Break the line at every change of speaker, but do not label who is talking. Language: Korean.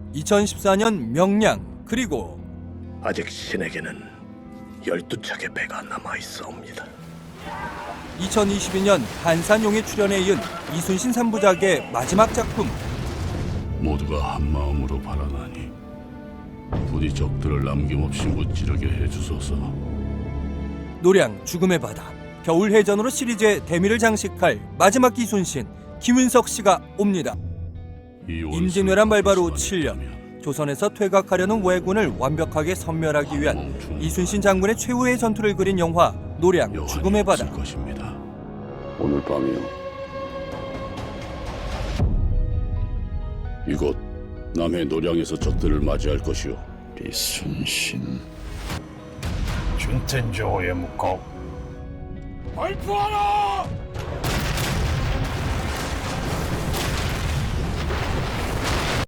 2014년 명량, 그리고
아직 신에게는 12척의 배가 남아있사옵니다.
2022년 한산용의 출연에 이은 이순신 3부작의 마지막 작품.
모두가 한마음으로 바라나니 부디 적들을 남김없이 무찌르게 해주소서.
노량 죽음의 바다, 겨울해전으로 시리즈의 대미를 장식할 마지막 이순신, 김윤석 씨가 옵니다. 임진왜란 발발 후 7년, 조선에서 퇴각하려는 왜군을 완벽하게 섬멸하기 위한 이순신 장군의 최후의 전투를 그린 영화 노량 죽음의 바다.
것입니다.
오늘 밤이요.
이곳 남해 노량에서 적들을 맞이할 것이오.
이순신.
준텐조의 묵고 발표하라!